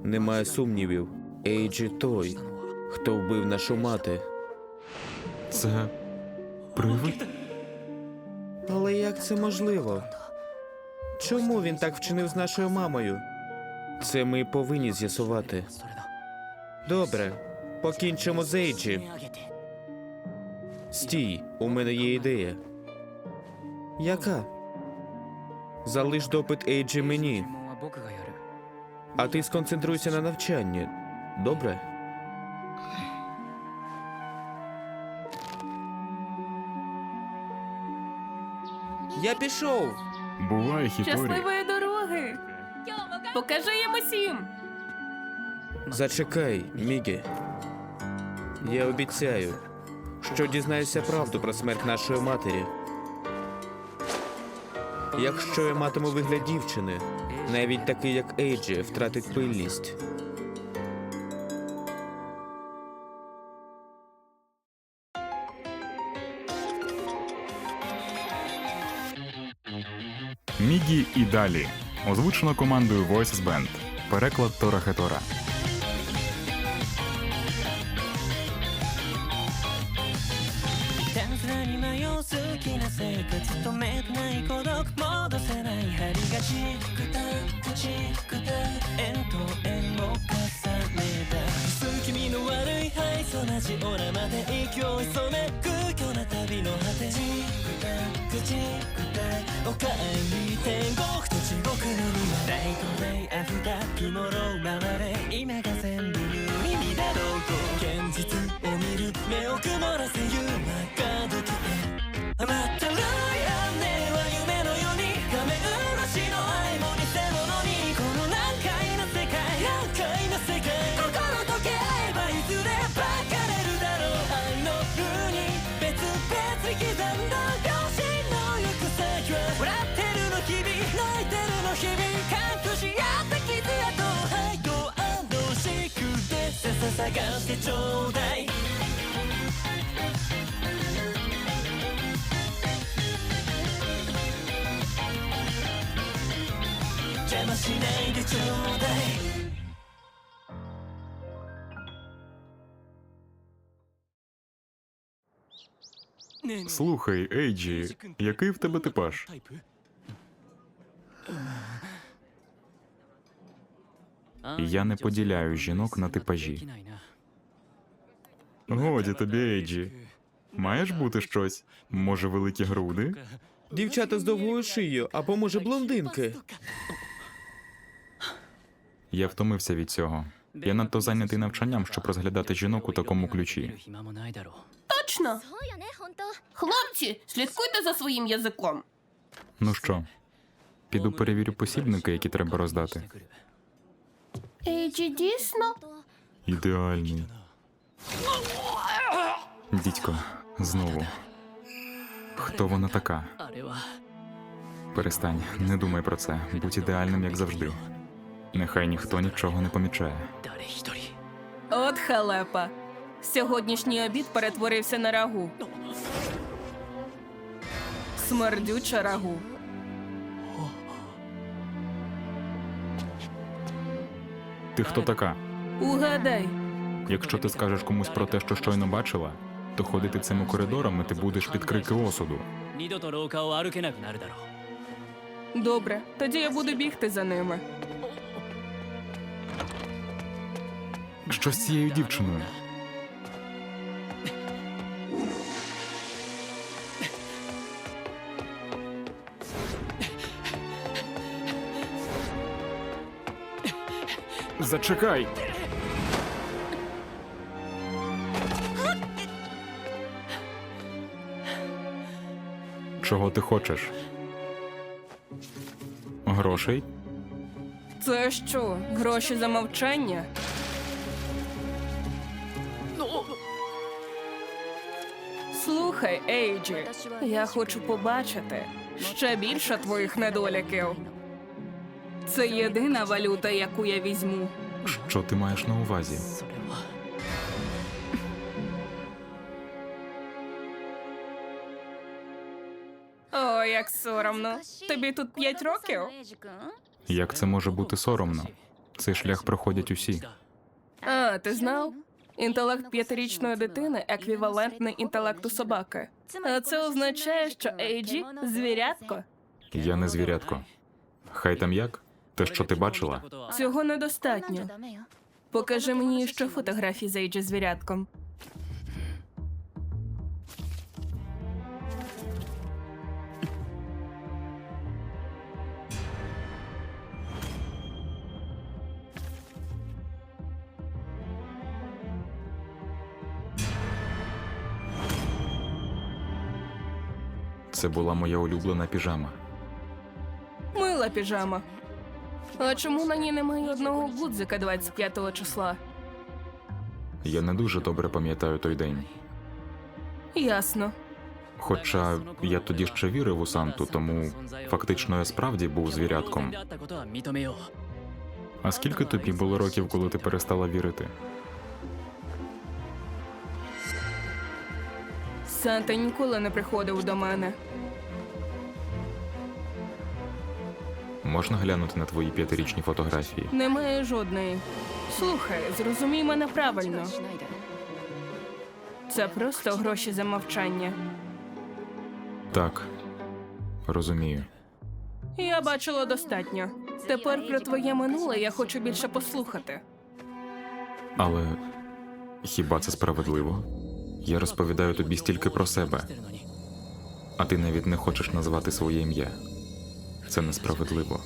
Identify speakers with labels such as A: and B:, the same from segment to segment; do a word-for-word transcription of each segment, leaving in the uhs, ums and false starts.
A: Немає сумнівів. Ейджі той, хто вбив нашу мати.
B: Це привид?
A: Але як це можливо? Чому він так вчинив з нашою мамою? Це ми повинні з'ясувати. Добре, покінчимо з Ейджі. Стій, у мене є ідея. Яка? Залиш допит Ейджі мені, а ти сконцентруйся на навчанні. Добре? Я пішов!
B: Буває, Хіторі.
C: Щасливої дороги! Покажи їм усім!
A: Зачекай, Мігі. Я обіцяю, що дізнаюся правду про смерть нашої матері. Якщо я матиму вигляд дівчини, навіть такий, як Ейджі, втратить пильність.
B: Мігі і далі. Озвучено командою Voices Band. Переклад Тора Хетора.
D: たずらに迷う好きな生活止めてない孤独戻せない針がチクタチクタ円と円を重ねた薄気味の悪いハイソなジオラまで息を潜め空虚な旅の果てチクタチクタおかえり天国と地獄の庭ライトデイアフタートゥモロー回れ今が全部無意味だろうと現実を見る目を曇らせ夢がどきへ待ってるよねは夢のように画面漆の愛も偽物にこの難解な世界難解な世界心溶け合えばいずれ分かれるだろう愛のルーに別々に刻んだ両親の行く先は笑ってるの日々泣いてるの日々隠し合った傷跡愛と安堵しくてささ探してちょうだい邪魔しないでちょうだい
B: Слухай, Ейджі, який в тебе типаж? Я не поділяю жінок на типажі. Годі тобі, Ейджі. Маєш бути щось? Може, великі груди?
A: Дівчата з довгою шиєю, або, може, блондинки.
B: Я втомився від цього. Я надто зайнятий навчанням, щоб розглядати жінок у такому ключі.
C: Точно! Хлопці, слідкуйте за своїм язиком.
B: Ну що, піду перевірю посібники, які треба роздати.
C: Ейджі дійсно?
B: Ідеальний. Дідько, знову. Хто вона така? Перестань, не думай про це. Будь ідеальним, як завжди. Нехай ніхто нічого не помічає.
C: От халепа. Сьогоднішній обід перетворився на рагу. Смердюча рагу.
B: Ти хто така?
C: Угадай.
B: Якщо ти скажеш комусь про те, що щойно бачила, то ходити цими коридорами ти будеш під крики осуду.
D: 二度と廊下を歩けなくなるだろう
C: Добре, тоді я буду бігти за ними.
B: Що з цією дівчиною? Зачекай! Чого ти хочеш? Грошей?
C: Це що, гроші за мовчання? Слухай, Ейджі, я хочу побачити ще більше твоїх недоліків. Це єдина валюта, яку я візьму.
B: Що ти маєш на увазі?
D: それは
C: О, як соромно. Тобі тут п'ять років?
B: Як це може бути соромно? Цей шлях проходять усі.
C: А, ти знав? Інтелект п'ятирічної дитини еквівалентний інтелекту собаки. А це означає, що Ейджі – звірятко.
B: Я не звірятко. Хай там як? Те, що ти бачила?
C: Цього недостатньо. Покажи мені ще фотографії з Ейджі звірятком.
B: Це була моя улюблена піжама.
C: Мила піжама. А чому на ній немає одного гудзика двадцять п'ятого числа?
B: Я не дуже добре пам'ятаю той день.
C: Ясно.
B: Хоча я тоді ще вірив у Санту, тому фактично я справді був звірятком. А скільки тобі було років, коли ти перестала вірити?
C: Санта ніколи не приходив до мене.
B: Можна глянути на твої п'ятирічні фотографії?
C: Немає жодної. Слухай, зрозумій мене правильно. Це просто гроші за мовчання.
B: Так, розумію.
C: Я бачила достатньо. Тепер про твоє минуле я хочу більше послухати.
B: Але хіба це справедливо? Я розповідаю тобі стільки про себе, а ти навіть не хочеш назвати своє ім'я. Це несправедливо.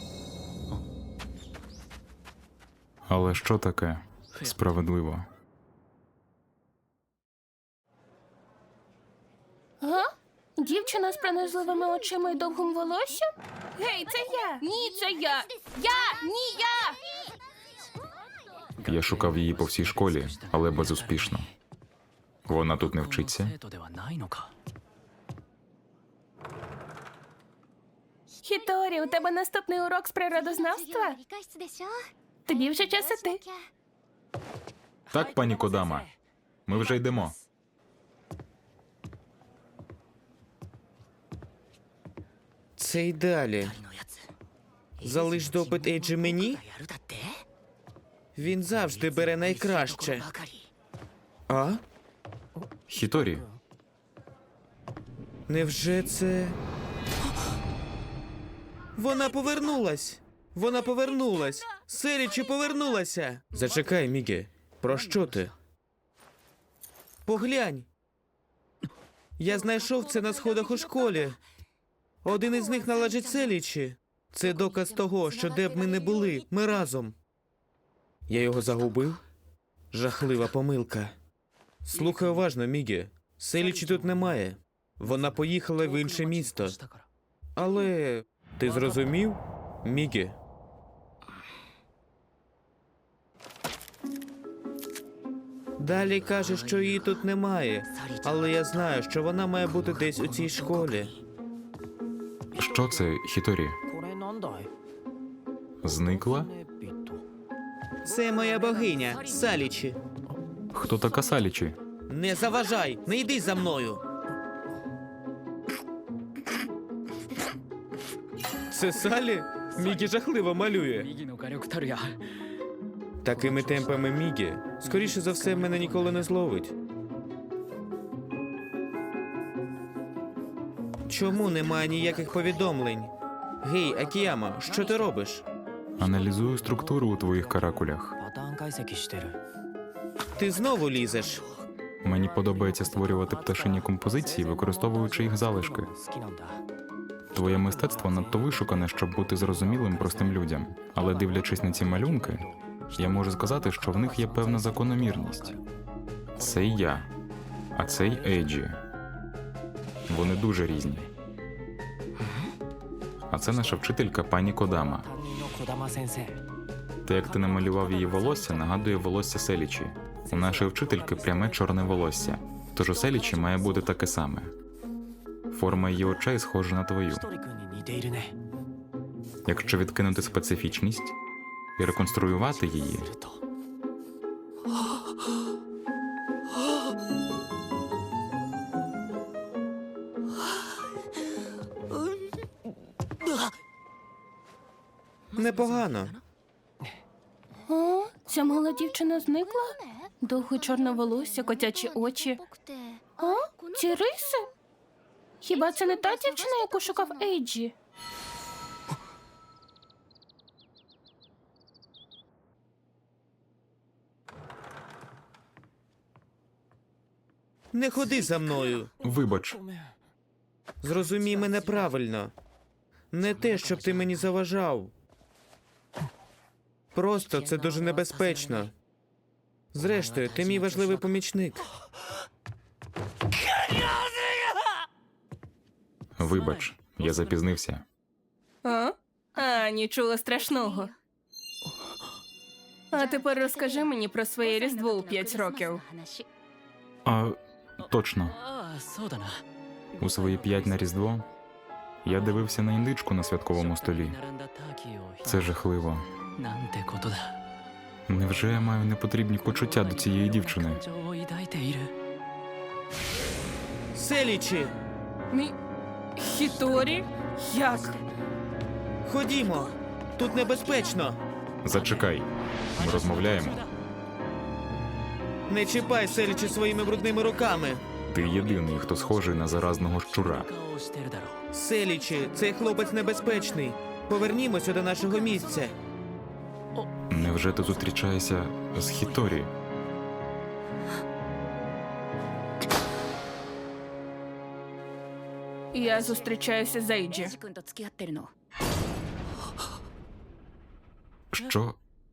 B: Але що таке справедливо?
C: Га? Дівчина з пронизливими очима і довгим волоссям? Гей, це я! Ні, це я! Я! Ні, я!
B: Я шукав її по всій школі, але безуспішно. Вона тут не вчиться.
C: Хіторі, у тебе наступний урок з природознавства? Тобі вже час іти.
B: Так, пані Кодама, ми вже йдемо.
A: Це й далі. Залиш допит Ейджі мені? Він завжди бере найкраще. А?
B: Хіторі,
A: Невже це. Вона повернулась! Вона повернулась! Селічі повернулася! Зачекай, Мігі. Про що ти? Поглянь! Я знайшов це на сходах у школі. Один із них належить Селічі. Це доказ того, що де б ми не були, ми разом. Я його загубив? Жахлива помилка. Слухай уважно, Мігі. Селічі тут немає. Вона поїхала в інше місто. Але ти зрозумів, Мігі? Далі каже, що її тут немає. Але я знаю, що вона має бути десь у цій школі.
B: що це, Хіторі? Зникла?
A: Це моя богиня, Салічі.
B: Хто така Салічі?
A: Не заважай, не йди за мною. Це Салі? Мігі жахливо малює. Такими темпами Мігі, скоріше за все, мене ніколи не зловить. Чому немає ніяких повідомлень? Гей, Акіяма, що ти робиш?
B: Аналізую структуру у твоїх каракулях.
A: Ти знову лізеш.
B: Мені подобається створювати пташині композиції, використовуючи їх залишки. Твоє мистецтво надто вишукане, щоб бути зрозумілим простим людям. Але дивлячись на ці малюнки, я можу сказати, що в них є певна закономірність. Це я, а цей Ейджі. Вони дуже різні. А це наша вчителька пані Кодама. Те, як ти намалював її волосся, нагадує волосся Селічі. У нашої вчительки пряме чорне волосся, тож у Селічі має бути таке саме. Форма її очей схожа на твою. Якщо відкинути специфічність і реконструювати її,
A: Непогано.
C: Ця мала дівчина зникла? Довге чорне волосся, котячі очі. А? Ці риси? Хіба це не та дівчина, яку шукав Ейджі?
A: Не ходи за мною.
B: Вибач,
A: Зрозумій мене правильно. Не те, щоб ти мені заважав. Просто це дуже небезпечно. Зрештою, ти мій важливий помічник.
B: вибач, я запізнився.
C: А? А, нічого страшного. А тепер розкажи мені про своє Різдво у п'ять років.
B: А, точно.
D: ああそうだな
B: У свої п'ять на Різдво я дивився на індичку на святковому столі.
D: 並んだターキーを
B: Це жахливо.
D: なんてことだ
B: Невже я маю непотрібні почуття до цієї дівчини?
D: 感情を抱いている
A: Селічі!
C: Мі... Хіторі? Як?
A: Ходімо! Тут небезпечно!
B: Зачекай. Ми розмовляємо.
A: Не чіпай Селічі своїми брудними руками!
B: Ти єдиний, хто схожий на заразного щура.
D: 顔をしてるだろう
A: Селічі, цей хлопець небезпечний. Повернімося до нашого місця.
B: Невже ти зустрічаєшся з Хіторі?
C: Я зустрічаюся з Ейджі.
E: 君と付き合ってるの
B: Що?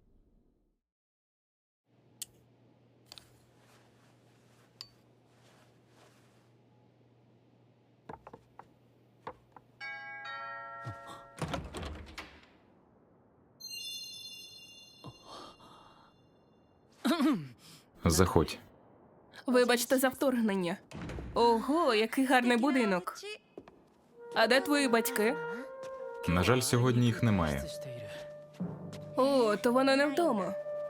B: Заходь.
C: Вибачте за вторгнення. Ого, який гарний будинок. А де твої батьки?
B: На жаль, сьогодні їх немає.
D: している
C: О, то вона не вдома.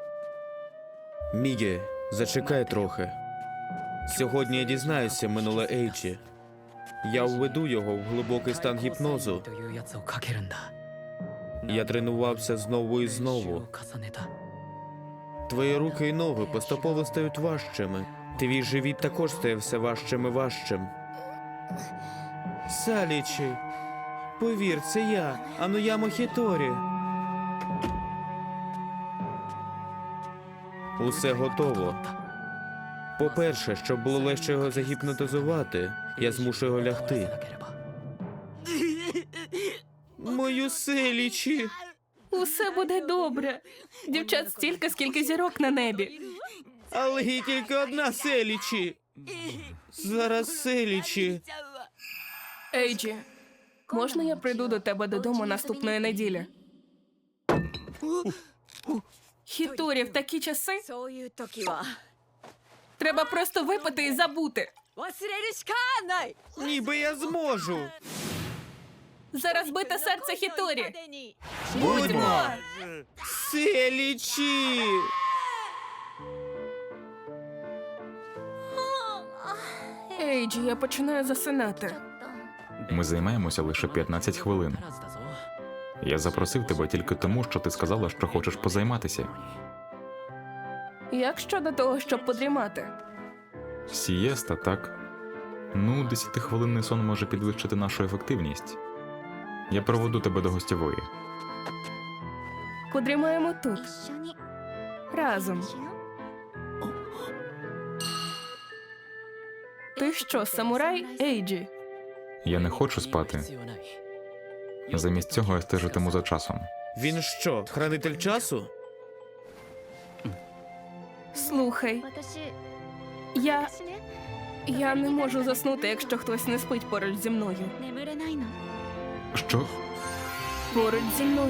A: Мігі, зачекай трохи. Сьогодні я дізнаюся минуле Ейджі. Я введу його в глибокий стан гіпнозу.
D: というやつをかけるんだ
A: Я тренувався знову і
D: 練習
A: знову.
D: を重ねた
A: Твої руки і ноги поступово стають важчими. Твій живіт також стає все важчим і важчим. Салічі, повір, це я, Ануямо Хіторі. Усе готово. По-перше, щоб було легше його загіпнотизувати, я змушу його
D: な
A: лягти.
D: ければ
A: Мою Селічі!
C: Усе буде добре. Дівчат стільки, скільки зірок на небі.
A: Але є тільки одна Селічі! Зараз Селічі.
C: Ейджі, можна я прийду до тебе додому наступної неділі? Хіторі, в такі часи
E: そういう時は
C: треба просто випити і забути.
E: 忘れるしかない
A: Ніби я зможу.
C: Зараз бите серце Хіторі.
E: までに
A: Будьмо! Селічі!
C: Ейджі, я починаю засинати.
B: Ми займаємося лише п'ятнадцять хвилин.
D: 足らずだぞ
B: Я запросив тебе тільки тому, що ти сказала, що хочеш позайматися.
C: Як щодо того, щоб подрімати?
B: Сієста, так? Ну, десятихвилинний сон може підвищити нашу ефективність. Я проведу тебе до гостєвої.
C: Подрімаємо тут,
E: 一緒に
C: разом.
E: しよう
C: Ти що, самурай, Ейджі?
B: Я не хочу
D: 理由は
B: спати.
D: 必要ない
B: Замість цього я стежитиму за часом.
A: Він що, хранитель часу?
E: 私
C: Слухай, я.
E: 私ね
C: Я не можу заснути, якщо хтось не спить поруч зі мною.
E: 眠れないの
B: Що?
C: Поруч зі мною.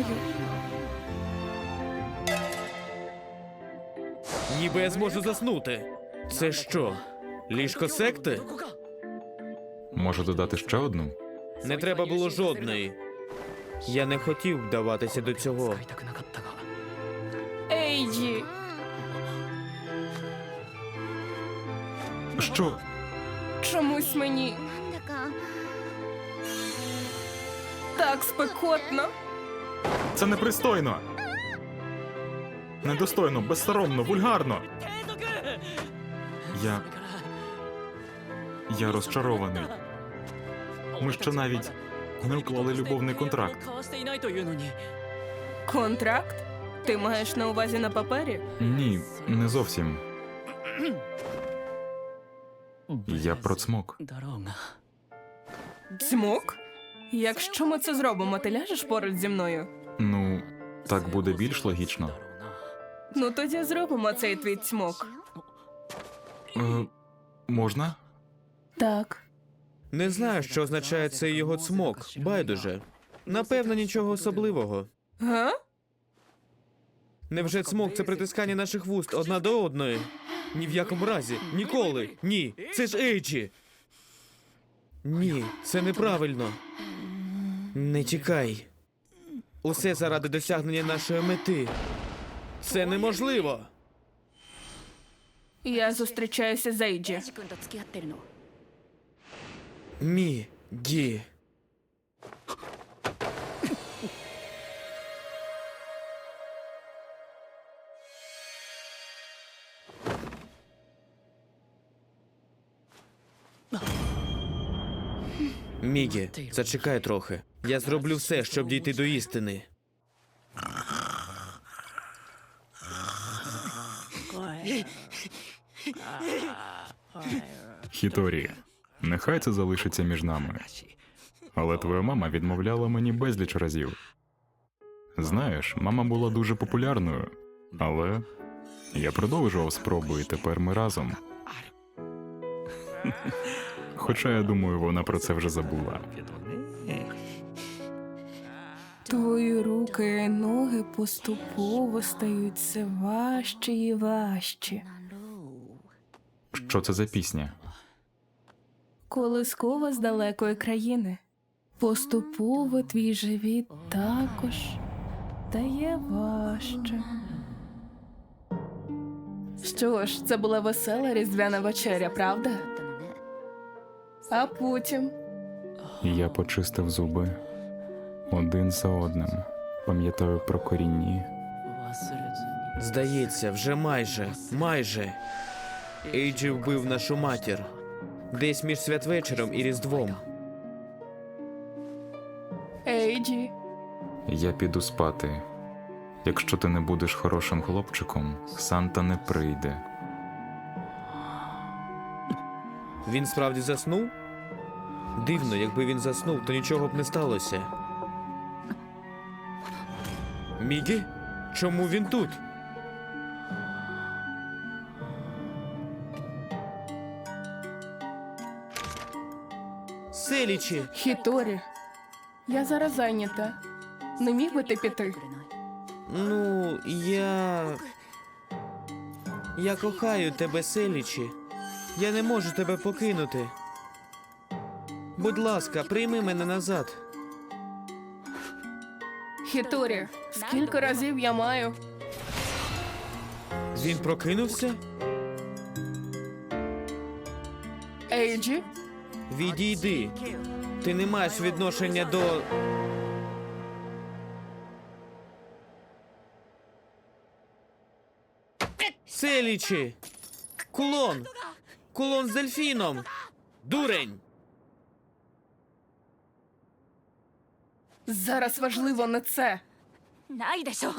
A: Ніби я зможу заснути. Це що? Ліжко секти?
B: Можу додати ще одну?
A: Не треба було жодної. Я не хотів вдаватися до цього.
D: 使いたくなかったが
C: Ейджі!
B: Що?
C: Чомусь мені
E: なんだか
C: так спекотно.
B: Це непристойно! Недостойно, безсоромно, вульгарно. Я. Я розчарований. Ми ще навіть не уклали любовний контракт.
D: 交わしていないというのに
C: Контракт? Ти маєш на увазі на папері?
B: Ні, не зовсім. Я про цмок.
D: だろうが
C: Цмок? Якщо ми це зробимо, ти ляжеш поруч зі мною?
B: Ну, так буде більш логічно.
C: Ну тоді зробимо цей твій цмок.
B: Е, можна?
C: Так.
A: Не знаю, що означає цей його цмок. Байдуже. Напевно, нічого особливого.
C: Га?
A: Невже цмок це притискання наших вуст одна до одної? Ні в якому разі. Ніколи. Ні. Це ж Ейджі. Ні, це неправильно. Не тікай. Усе заради досягнення нашої мети. Це неможливо.
C: Я зустрічаюся з Ейджі.
E: エイジ君と付き合ってるの
A: Мі. Гі. Мігі, зачекай трохи. Я зроблю все, щоб дійти до істини.
B: Хіторі, нехай це залишиться між нами. Але твоя мама відмовляла мені безліч разів. Знаєш, мама була дуже популярною, але я продовжував спроби, і тепер ми разом. Хоча, я думаю, вона про це вже забула.
C: Твої руки і ноги поступово стають все важчі і важчі.
B: Що це за пісня?
C: Колискова з далекої країни. Поступово твій живіт також стає важче. Що ж, це була весела різдвяна вечеря, правда? А потім
B: Я почистив зуби один за одним. Пам'ятаю про корінні.
D: 忘れずに
A: Здається, вже майже, майже. Ейджі вбив нашу матір. Десь між святвечором і Різдвом.
C: Ейджі.
B: Я піду спати. Якщо ти не будеш хорошим хлопчиком, Санта не прийде.
A: Він справді заснув? Дивно, якби він заснув, то нічого б не сталося. Мігі? Чому він тут? Селічі!
C: Хіторі. Я зараз зайнята. Не міг би ти піти?
A: Ну, я. Я кохаю тебе, Селічі. Я не можу тебе покинути. Будь ласка, прийми мене назад.
C: Хіторі, скільки разів я маю?
A: Він прокинувся?
C: Ейджі?
A: Відійди. Ти не маєш відношення до. Селічі! Кулон! Кулон з дельфіном! Дурень!
C: Зараз важливо не це.
E: ないでしょ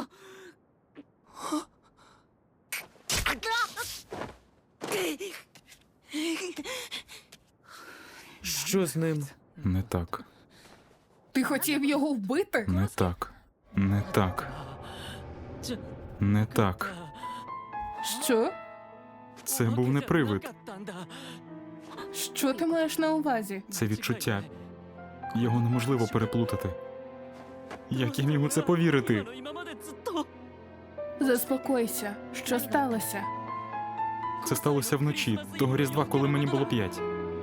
A: Що з ним?
B: Не так,
C: Ти хотів його вбити?
B: не так, не так, не так.
C: Що?
B: Це був не привид,
D: なかったんだ
C: Що ти маєш на увазі?
B: це відчуття. Його неможливо переплутати. Як я міг у це повірити?
D: 今までずっと
C: Заспокойся. Що сталося?
B: Це сталося вночі, того Різдва, коли мені було п'ять.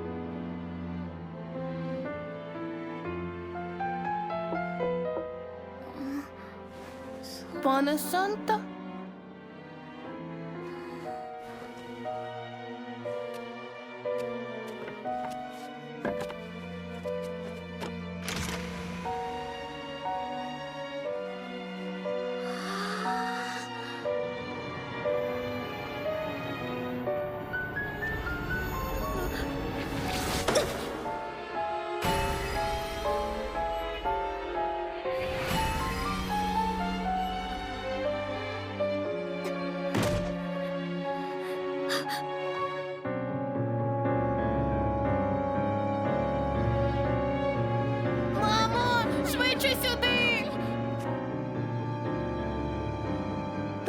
C: Пане Санта?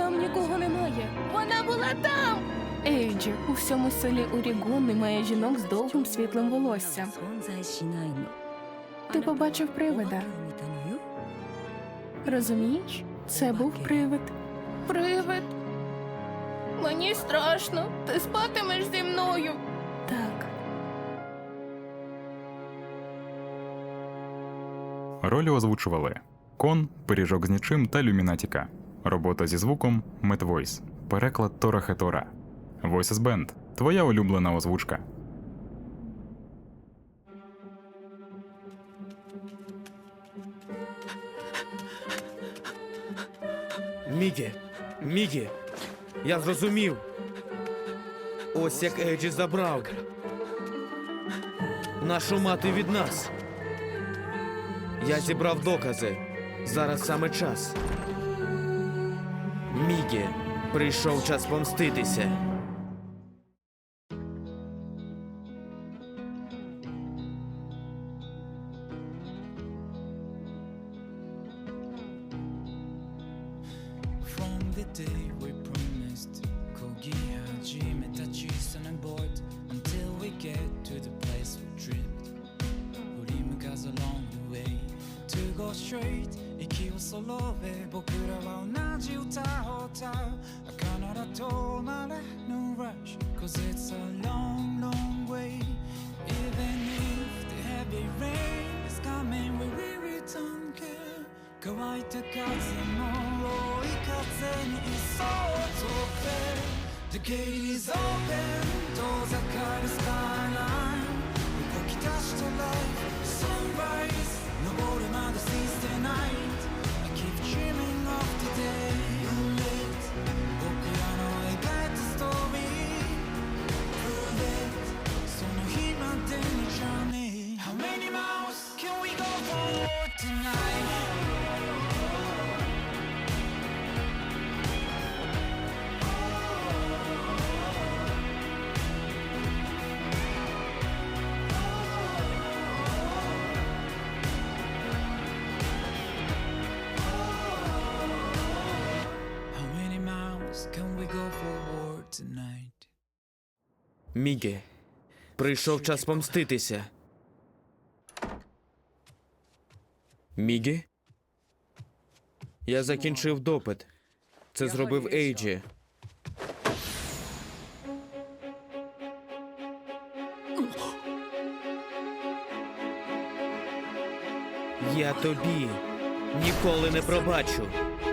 C: Там нікого немає. Вона була там! Ейджі, у всьому селі Орігон немає жінок з довгим світлим волоссям. Ти побачив привида. Розумієш? Це був привид. Привид? Мені страшно. Ти спатимеш зі мною. Так.
B: Ролі озвучували Кон, Пиріжок з нічим та Люмінатіка. Робота зі звуком Медвойс. Переклад Тора Хетора. Voices Band. Твоя улюблена озвучка.
A: Мігі, Мігі, я зрозумів. Ось як Ейджі забрав нашу мати від нас. Я зібрав докази. Зараз саме час. Мігі, прийшов час помститися.
F: From the day we promised 漕ぎ始めた小さなボート Until we get to the place we dreamed 振り向かず along the way To go straight 息を揃え僕らは同じ歌を歌う儚ら止まれ No rush Cause it's a long long way Even if the heavy rain is coming we really don't care 乾いた風の追い風にいそう飛べ The gate is open 遠ざかるスカイライン動き出した life Sunrise 昇るまで seize the night I keep dreaming of the day you lit 僕らの描いたストーリー Prove it その日までの journey How many miles can we go forward tonight How many miles can we go forward tonight?
A: Мігі, прийшов час помститися. Мігі? Я закінчив допит. Це зробив Ейджі. Я тобі ніколи не пробачу.